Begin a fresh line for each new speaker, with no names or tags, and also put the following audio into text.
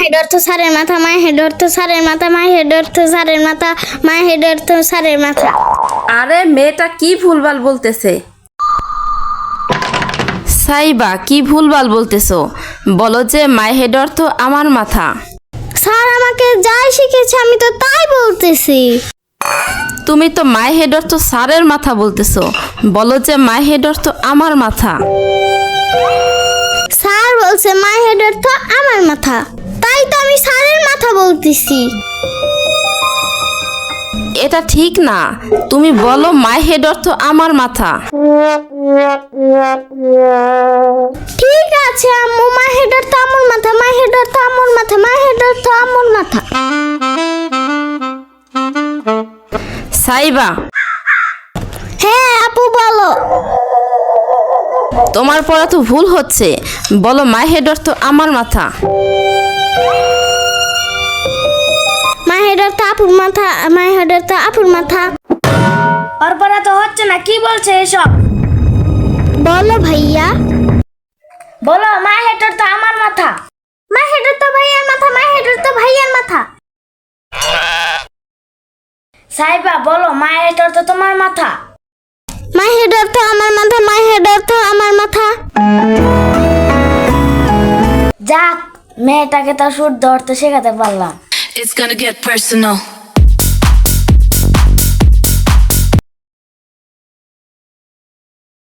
Head অর্থ স্যারের মাথা, মাই হেড অর্থ স্যারের মাথা, মাই হেড অর্থ স্যারের মাথা, মাই হেড অর্থ স্যারের মাথা।
আরে মেয়েটা কি ভুলভাল বলতেছে? সাইবা কি ভুলভাল বলতেছো? বলো যে মাই হেড অর্থ আমার মাথা।
স্যার আমাকে যাই শিখেছে আমি তো তাই বলতেছি।
তুমি তো মাই হেড অর্থ স্যারের মাথা বলতেছো, বলো যে মাই হেড অর্থ আমার মাথা।
স্যার বলছে মাই হেড অর্থ আমার মাথা, তাই তো আমি স্যারের মাথা বলতেছি।
এটা ঠিক না, তুমি বলো মাই হেড অর্থ আমার মাথা।
ঠিক আছে আম্মু, মাই হেড অর্থ আমার মাথা, মাই হেড অর্থ আমার মাথা, মাই হেড অর্থ আমার মাথা।
সাইবা
হ্যাঁ আপু বলো।
তোমার পড়া তো ভুল হচ্ছে, বলো মাই হেড অর্থ আমার মাথা।
মাই হেড অর্থ আপুর মাথা, মাই হেড অর্থ আপুর মাথা।
ওর পড়া তো হচ্ছে না, কি বলছে এসব?
বলো ভাইয়া।
বলো মাই হেড অর্থ আমার মাথা।
মাই হেড অর্থ ভাইয়ার মাথা, মাই হেড অর্থ ভাইয়ার মাথা।
সাইবা বলো মাই হেড অর্থ তোমার মাথা।
মাই হেড অর্থ আমার মাথা, মাই হেড অর্থ আমার মাথা।
যাক, মেয়েটাকে তো শুদ্ধ অর্থ শেখাতে পারলাম।
It's gonna get personal.